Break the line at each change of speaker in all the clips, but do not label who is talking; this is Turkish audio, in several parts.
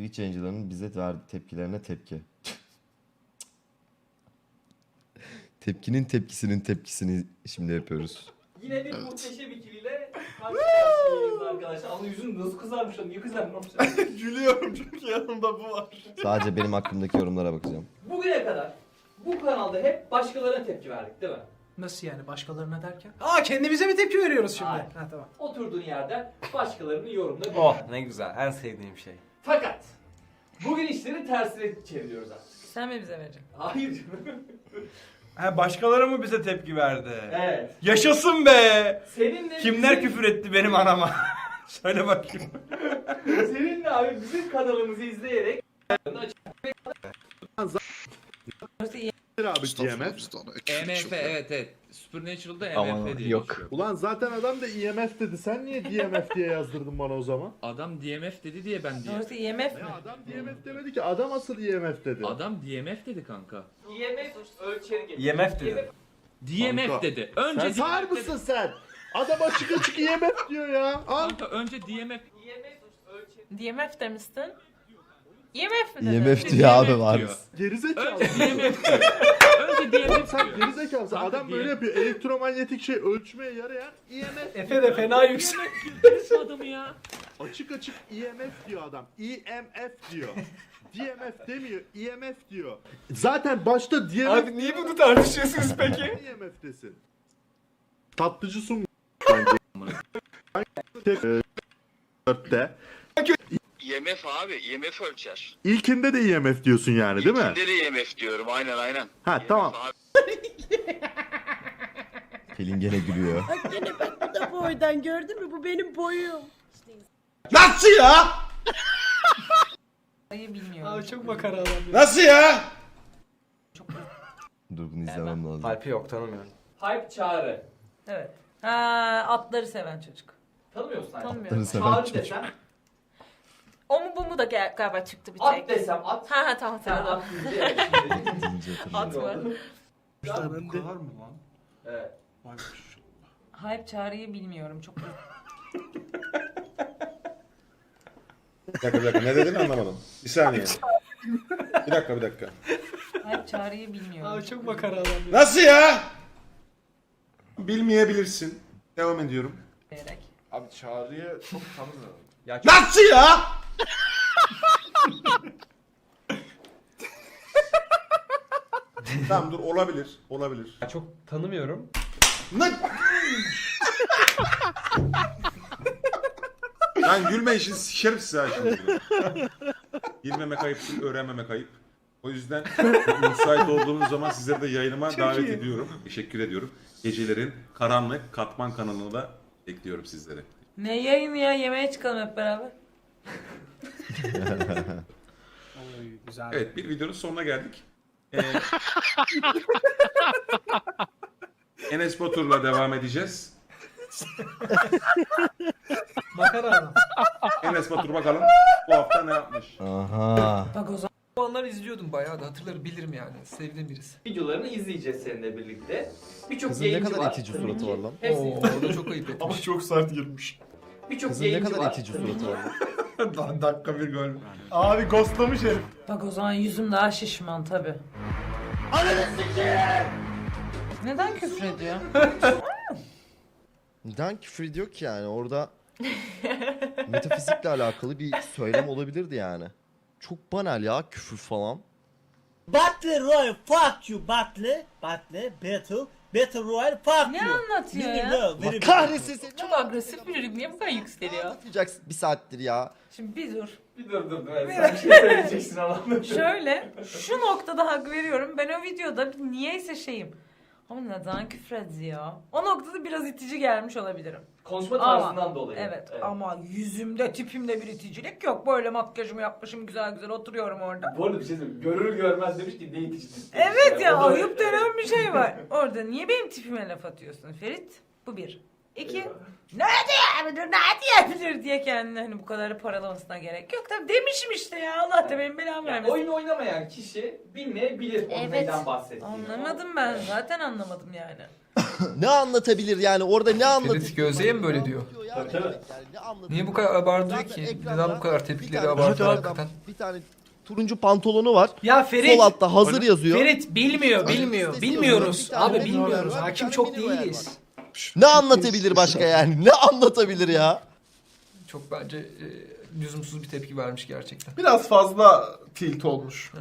Twitch yayıncılarının bize verdiği tepkilerine tepki. Tepkinin tepkisinin tepkisini şimdi yapıyoruz.
Yine bir muhteşem ikiliyle karşı karşıyayız arkadaşlar. Ama yüzün nasıl kızarmış lan? Niye kızarmış?
Gülüyorum çünkü yanımda bu var.
Sadece benim hakkımdaki yorumlara bakacağım.
Bugüne kadar bu kanalda hep başkalarına tepki verdik değil mi?
Nasıl yani başkalarına derken? Aa kendimize mi tepki veriyoruz şimdi?
Hayır.
Ha tamam.
Oturduğun yerden başkalarının yorumuna bir.
Oh ne güzel, en sevdiğim şey.
Fakat bugün işleri tersine çeviriyoruz artık.
Sen mi bize vereceksin?
Hayır canım.
Ha, başkaları mı bize tepki verdi?
Evet.
Yaşasın be!
Seninle
Kimler küfür etti benim anama? Söyle bakayım.
Seninle abi bizim kanalımızı izleyerek
abi DMF.
EMF evet. Supernatural'da
Aman,
EMF diye
yok.
geçiyor.
Ulan zaten adam da IMF dedi. Sen niye DMF diye yazdırdın bana o zaman?
Adam DMF dedi diye ben diye.
Sonrası IMF mi?
Ya adam DMF demedi ki. Adam asıl IMF dedi.
Adam DMF dedi kanka.
IMF ölçeri getiriyor.
IMF dedi.
DMF
Kanka,
dedi. Önce
Sen sağır
DMF dedi.
mısın sen? Adam açık açık IMF diyor ya. Al.
Kanka önce DMF.
IMF ölçeri.
DMF demiştin. IMF mi dedin?
IMF diyor abi
DMF
var.
diyor.
Gerizekalı.
Önce DMF diyor. Önce DMF
Sen
diyor.
gerizekalısın.
Kanka,
Adam böyle yapıyor. Elektromanyetik şey ölçmeye yarayan IMF.
Efe de fena yüksek.
Birisi adamı ya.
Açık açık IMF diyor adam. IMF diyor. DMF demiyor. IMF diyor. Zaten başta DMF.
Abi niye bunu tartışıyorsunuz peki?
IMF'desin. Tatlıcı sun. Dörtte.
IMF abi, IMF ölçer.
İlkinde de IMF diyorsun yani değil mi?
İlkinde de IMF diyorum, aynen.
Ha
IMF
tamam.
abi.
Pelin gene gülüyor.
Bak gene bak bu da boydan gördün mü? Bu benim boyum.
Nasıl ya?
Sayı bilmiyorum.
Abi çok makara adam ya.
Nasıl ya?
Dur bunu izlemem lazım.
Alp'i yok, tanımıyorum.
Hype çağrı.
Evet. Ha, atları seven çocuk.
Tanımıyor musun?
Tanımıyorum.
Seven
Çağrı
çocuk.
desem,
O mu bu mu da galiba çıktı bir tek.
at desem at.
Ha tamam
Sen
tamam.
at deyince evet, şimdi.
Deyince
At
hatırlıyorum.
mı?
Bu kadar mı lan?
Evet.
Hype çağrıyı bilmiyorum çok.
Bir dakika ne dedin anlamadım. Bir saniye. Bir dakika.
Hype çağrıyı bilmiyorum.
Abi çok makara adam ya.
Nasıl ya? Bilmeyebilirsin. Devam ediyorum.
Diyerek.
Abi Çağrı'yı çok tanımıyorum.
Ya
Nasıl ya? Tamam dur olabilir.
çok tanımıyorum.
Ne? Lan gülme işin sikerim size ha şimdi. Bilmemek ayıp değil, öğrenmemek ayıp. O yüzden müsait olduğunuz zaman sizleri de yayınıma davet ediyorum. Teşekkür ediyorum. Gecelerin karanlık katman kanalına da bekliyorum sizleri.
Ne yayını ya, yemeğe çıkalım hep beraber.
Oy güzel.
Evet bir videonun sonuna geldik. Enes Batur'la devam edeceğiz.
Makara adam.
Enes Batur bakalım bu hafta ne yapmış?
Aha.
Bak o zaman.
Onları izliyordum bayağı da hatırlarım bilirim yani. Sevdiğim birisi.
Videolarını izleyeceğiz seninle birlikte. Birçok
Kızın ne
yayıncı
kadar
var.
itici
Tabii
suratı
ki
var lan.
hepsi-
Oo o da çok ayıp etmiş.
çok sert girmiş.
Birçok
Kızın ne
yayıncı
kadar
var.
itici suratı var lan.
Dakika bir gol.
Abi ghostlamış herif.
Bak o zaman yüzüm daha şişman tabi. Neden küfür ediyor?
Neden küfür ediyor ki yani orada metafizikle alakalı bir söylem olabilirdi yani. Çok banal ya küfür falan.
Battle Royale fuck you Battle. Battle Royale fuck
Ne
you.
anlatıyor
Very
ya?
well, very
Allah
well.
kahretsin seni.
Çok agresif biri, niye bu kadar yükseliyor?
Anlatacaksın bir saattir ya.
Şimdi bir dur.
Bir dur. Sen bir şey söyleyeceksin Allah'ım.
Şöyle, şu noktada hak veriyorum. Ben o videoda niyeyse şeyim. Ama neden küfür ediyor? O noktada biraz itici gelmiş olabilirim.
Konuşma
Ama-
tarzından dolayı.
Evet, ama yüzümde, tipimde bir iticilik yok. Böyle makyajımı yapmışım, güzel güzel oturuyorum orada.
Bu arada bir şey söyleyeyim. Görür görmez demiş ki ne itici.
Evet ya,
O da-
ayıp denen bir şey var. Orada niye benim tipime laf atıyorsun Ferit? Bu bir. İki, ne diyebilir diye kendini hani bu kadar paralamasına gerek yok. Tabii demişim işte ya, Allah da benim belamı
Yani
vermesin.
oyun oynamayan kişi bilmeyebilir onun
Evet.
neyden bahsettiğini.
Anlamadım ben, zaten anlamadım yani.
Ne anlatabilir yani orada ne anlatabilir?
Ferit Gözde'ye mi böyle diyor?
Tabii, tabii.
Niye bu kadar abartıyor ki? Neden bu kadar tepkileri abartıyor hakikaten?
Bir tane turuncu pantolonu var.
Ya
Sol altta hazır yazıyor.
Ferit bilmiyor. Bilmiyoruz.
Bir tane
Abi
mini
bilmiyoruz.
var, bir
Hakim
tane
çok
mini var yani.
değiliz.
Ne anlatabilir başka yani? Ne anlatabilir ya?
Çok bence lüzumsuz bir tepki vermiş gerçekten.
Biraz fazla tilt olmuş.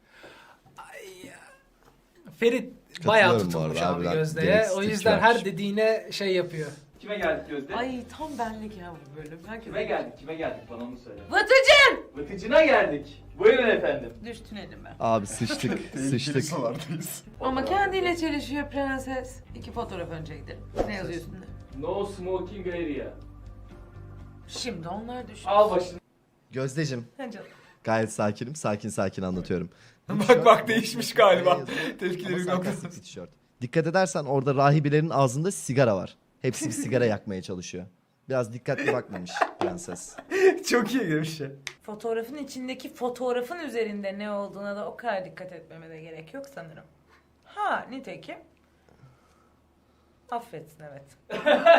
Ferit bayağı
Katılıyorum bu
tutulmuş
arada,
abi
harbiden
Gözde'ye.
gereksiz
O
tepki
yüzden
vermiş.
her dediğine şey yapıyor.
Kime geldik Gözde?
Ay tam benlik ya bu bölüm.
Kime geldik? Kime geldik? Bana onu söyle.
Vıtıcın!
Vıtıcına geldik. Buyurun efendim.
Düştün elime.
Abi sıçtık. sıçtık.
Ama kendiyle çelişiyor prenses. 2 fotoğraf önce gidelim. Ne yazıyor üstünde?
No smoking area.
Şimdi onlar düşün.
Al başını.
Gözdeciğim
Ha canım.
gayet sakinim. Sakin anlatıyorum.
Bak değişmiş galiba. Tepkileri
Ama
yok.
sarkastik bir tişört. Dikkat edersen orada rahibelerin ağzında sigara var. Hepsi bir sigara yakmaya çalışıyor. Biraz dikkatli bakmamış prenses.
Çok iyi girmiş ya.
Fotoğrafın içindeki fotoğrafın üzerinde ne olduğuna da o kadar dikkat etmeme de gerek yok sanırım. Ha nitekim. Affetsin evet.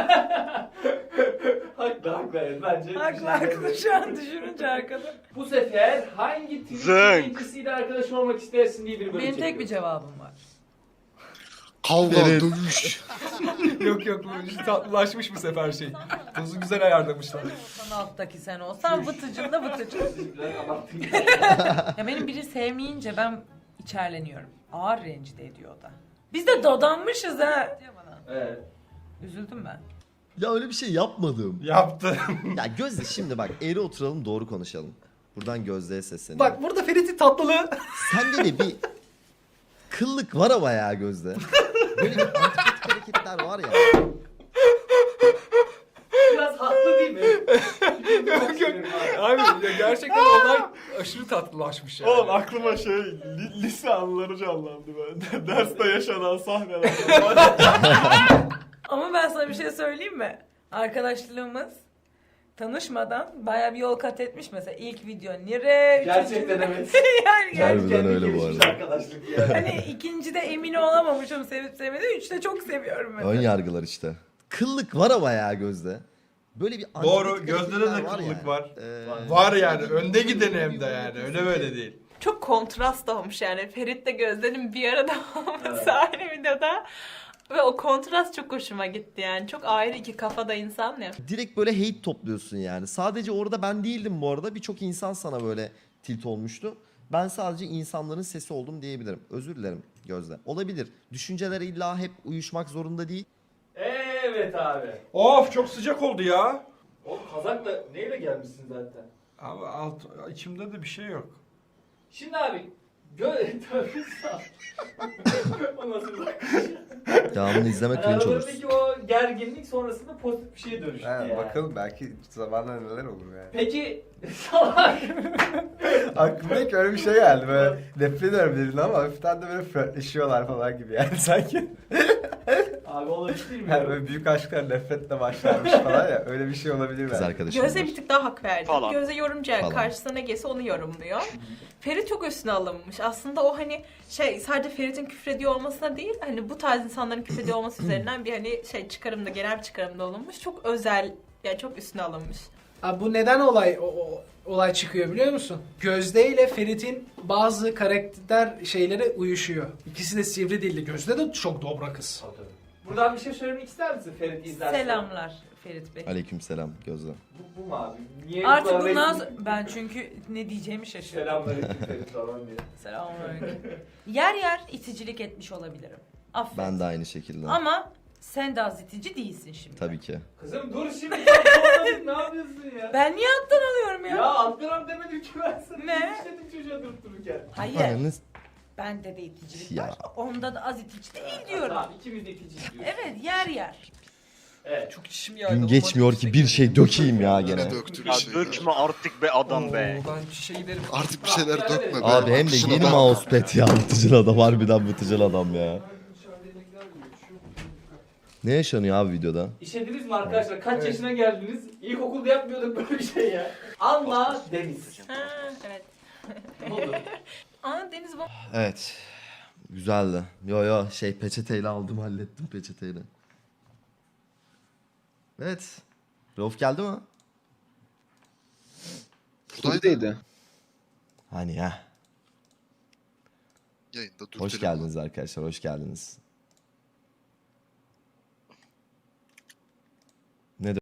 Haklı evet bence.
Haklı şu an düşününce arkada.
Bu sefer hangi Twitch
Zınk.
yayıncısıyla arkadaş olmak istersin diye bir bölüm
Benim tek bir
çekiyoruz.
cevabım var.
Kavga,
Evet.
dövüş.
Yok bu tatlılaşmış bu sefer şey. Dozu güzel ayarlamışlar.
Sen alttaki sen olsan vıtıcın da vıtıcın.
Biraz abarttın.
Ya benim biri sevmeyince ben içerleniyorum. Ağır rencide ediyor o da. Biz de dadanmışız ha. Diyor bana.
Evet.
Üzüldüm ben.
Ya öyle bir şey yapmadım.
Yaptı.
Ya Gözde şimdi bak eğri oturalım doğru konuşalım. Buradan Gözde'ye sesleniyorum.
Bak burada Ferit'in tatlılığı.
Sende de bir kıllık var ama ya Gözde. Böyle bir antipatik hareketler var ya.
Biraz haklı değil mi?
Abi ya gerçekten olay aşırı tatlılaşmış yani.
Oğlum aklıma lise anıları canlandı ben. Derste yaşanan sahneler.
Ama ben sana bir şey söyleyeyim mi? Arkadaşlığımız tanışmadan bayağı bir yol kat etmiş mesela. İlk video nire.
Gerçekten evet.
yani
Harbiden
Kendi
öyle bu
gelişmiş
arada.
arkadaşlık ya.
hani ikincide emin olamamışım sevip sevmediğim. Üçte çok seviyorum mesela.
Ön yargılar işte. Kıllık var ama ya Gözde. Böyle bir
Doğru,
antipatik
Gözde'de de
hareketler
kıllık
yani.
var.
Ee,
Var yani önde gideni hem de yani öyle böyle değil.
Çok kontrast olmuş yani. Ferit'le Gözde'nin bir arada olması aynı videoda. Ve o kontrast çok hoşuma gitti yani. Çok ayrı iki kafada insan ya.
direkt böyle hate topluyorsun yani. Sadece orada ben değildim bu arada. Birçok insan sana böyle tilt olmuştu. Ben sadece insanların sesi oldum diyebilirim. Özür dilerim Gözde. Olabilir. Düşünceler illa hep uyuşmak zorunda değil.
Evet abi.
Of çok sıcak oldu ya.
O kazakla neyle gelmişsin zaten?
Abi içimde de bir şey yok.
Şimdi abi Tövbe sağ. O nasıl bir bakış?
Devamını izlemek cringe olursun.
Aralarındaki o gerginlik sonrasında pozitif bir şeye dönüştü yani.
Bakalım belki zamanla neler olur yani.
Peki salak.
Aklıma ilk öyle bir şey geldi böyle nefret ediyorum dedin ama hafiften de böyle flörtleşiyorlar falan gibi yani sanki.
Abi olabilir mi?
Yani böyle büyük aşklar nefretle başlarmış falan ya öyle bir şey olabilir
Kız
belki.
arkadaşım
Gözde
var.
bir tık daha hak verdi.
Falan.
Gözde yorumcu yani
Falan.
karşısına ne gelse onu yorumluyor. Ferit çok üstüne alınmış. Aslında o hani sadece Ferit'in küfrediyor olmasına değil hani bu tarz insanların küfrediyor olması üzerinden bir hani çıkarımda genel bir çıkarımda olunmuş. Çok özel yani çok üstüne alınmış.
Abi bu neden olay çıkıyor biliyor musun? Gözde ile Ferit'in bazı karakter şeyleri uyuşuyor. İkisi de sivri dilli. Gözde de çok dobra kız.
Buradan bir şey söylemek ister misin Ferit izlersen?
Selamlar Ferit Bey.
Aleykümselam Gözde.
Bu mu abi? Niye
Artık
bu kadar
bundan
resmi-
sonra ben çünkü ne diyeceğimi şaşırdım.
Selamünaleyküm Ferit falan diye.
Selamünaleyküm. Yer yer iticilik etmiş olabilirim. Affet.
Ben de aynı şekilde.
Ama sen de az itici değilsin şimdi.
Tabii ki.
Kızım dur şimdi. ne yapıyorsun ya?
Ben niye alttan alıyorum ya?
Ya attıram demedim ki ben sana.
Ne?
İşledim çocuğa durup dururken.
Hayır.
Ananız-
Bende de iticilik
Ya.
var. Onda da az itici değil diyorum.
Tamam ikimiz de ikinci diyoruz.
Evet yer yer.
Evet.
Çok içim yandı.
Gün geçmiyor ki bir şey dökeyim ya gene.
Ya dökme artık be adam be.
Ben şişe giderim.
Artık bir şeyler dökme be.
Abi hem de yeni mousepad ya. Vıtıcıl adam harbiden vıtıcıl adam ya. Ne yaşanıyor abi videoda?
İşlediniz mi arkadaşlar? Kaç yaşına geldiniz? İlkokulda yapmıyorduk böyle bir şey ya. Anla Deniz.
Ha evet.
Ne oldu?
Aa Deniz bak.
Evet. Güzeldi. Yo peçeteyle aldım, hallettim peçeteyle. Evet. Rauf geldi mi?
Buradaydı.
Hani ya.
Yayında dur.
Hoş geldiniz arkadaşlar, hoş geldiniz.